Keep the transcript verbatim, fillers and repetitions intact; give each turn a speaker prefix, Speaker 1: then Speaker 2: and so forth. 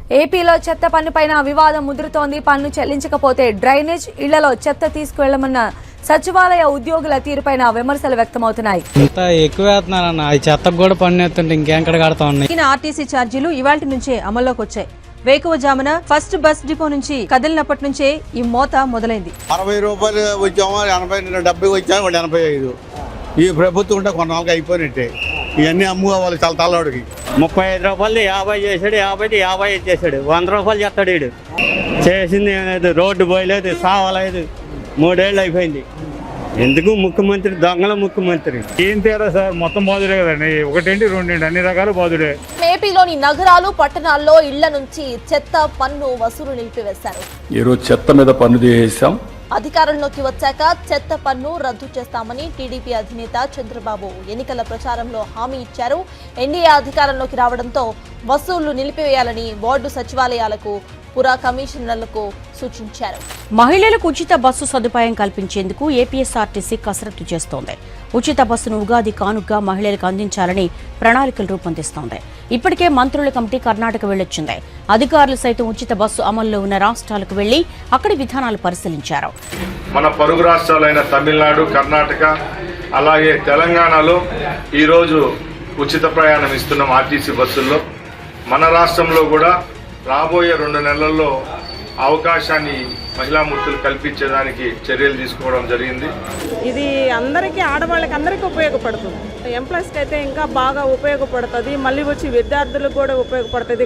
Speaker 1: ఏపీలో చెత్త పన్నుపైన వివాదం ముదురుతోంది. పన్ను చెల్లించకపోతే డ్రైనేజ్ ఇళ్లలో చెత్త తీసుకువెళ్లమన్న సచివాలయ ఉద్యోగుల తీరుపైన విమర్శలు వ్యక్తమవుతున్నాయి.
Speaker 2: ఇంత ఎక్కువ వేస్తున్నారన్న, ఈ చెత్తకు కూడా పన్ను ఎత్తుంటే ఇంకెక్కడ కడతా ఉన్నాయి.
Speaker 3: ఆర్టీసీ ఛార్జీలు ఇవాల్టి నుంచే అమల్లోకి వచ్చాయి. వేకువజామున ఫస్ట్ బస్ డిపో నుంచి కదిలినప్పటి నుంచే ఈ మోత మొదలైంది.
Speaker 4: అరవై రూపాయలు వచ్చామో ఎనభై డెబ్బై వచ్చాము ఎనభై ఐదు ఈ ప్రభుత్వం ఉంటే కొన్నాళ్ళకి అయిపోయినట్టే. ఇవన్నీ అమ్ముకోవాలి చాలా తల్లడికి.
Speaker 5: ముప్పై ఐదు రూపాయలు యాభై చేసాడు, యాభైది యాభై ఐదు చేశాడు, వంద రూపాయలు చేస్తాడు. వీడు చేసింది ఏమైనా రోడ్డు పోయలేదు, సావలేదు. మూడేళ్ళు అయిపోయింది. ఎందుకు ముఖ్యమంత్రి దొంగల ముఖ్యమంత్రి.
Speaker 6: ఏం తేడా సార్, మొత్తం బాధుడే కదండి. ఒకటేంటి రెండేంటి అన్ని రకాల బాధుడే.
Speaker 7: ఏపీలోని నగరాలు పట్టణాల్లో ఇళ్ల నుంచి చెత్త పన్ను వసూలు నిలిపివేశారు.
Speaker 8: ఈరోజు చెత్త మీద పన్ను తీసేసాం.
Speaker 7: అధికారంలోకి వచ్చాక చెత్త పన్ను రద్దు చేస్తామని టీడీపీ అధినేత చంద్రబాబు ఎన్నికల ప్రచారంలో హామీ ఇచ్చారు. ఎన్డీఏ అధికారంలోకి రావడంతో వసూళ్లు నిలిపివేయాలని బోర్డు సచివాలయాలకు పుర కమిషనర్లకు సూచించారు.
Speaker 9: మహిళలకు ఉచిత బస్సు సదుపాయం కల్పించేందుకు ఏపీఎస్ఆర్టీసీ కసరత్తు చేస్తోంది. ఉచిత బస్సును ఉగాది కానుకగా మహిళలకు అందించాలని ప్రణాళికలు రూపొందిస్తోంది. ఇప్పటికే మంత్రుల కమిటీ కర్ణాటక వెళ్లొచ్చింది. అధికారులు సైతం ఉచిత బస్సు అమల్లో ఉన్న రాష్ట్రాలకు వెళ్లి అక్కడి విధానాలు పరిశీలించారు.
Speaker 10: మన పొరుగు రాష్ట్రాలైన తమిళనాడు, కర్ణాటక, అలాగే తెలంగాణలో ఈరోజు ఉచిత ప్రయాణం ఇస్తున్నాం ఆర్టీసీ బస్సుల్లో. మన రాష్ట్రంలో కూడా రాబోయే రెండు నెలల్లో అవకాశాన్ని మహిళా మూర్తులు కల్పించేదానికి చర్యలు తీసుకోవడం జరిగింది.
Speaker 11: ఇది అందరికీ, ఆడవాళ్ళకి అందరికీ ఉపయోగపడుతుంది. ఎంప్లాయీస్కి అయితే ఇంకా బాగా ఉపయోగపడుతుంది. మళ్ళీ వచ్చి విద్యార్థులకు కూడా ఉపయోగపడుతుంది.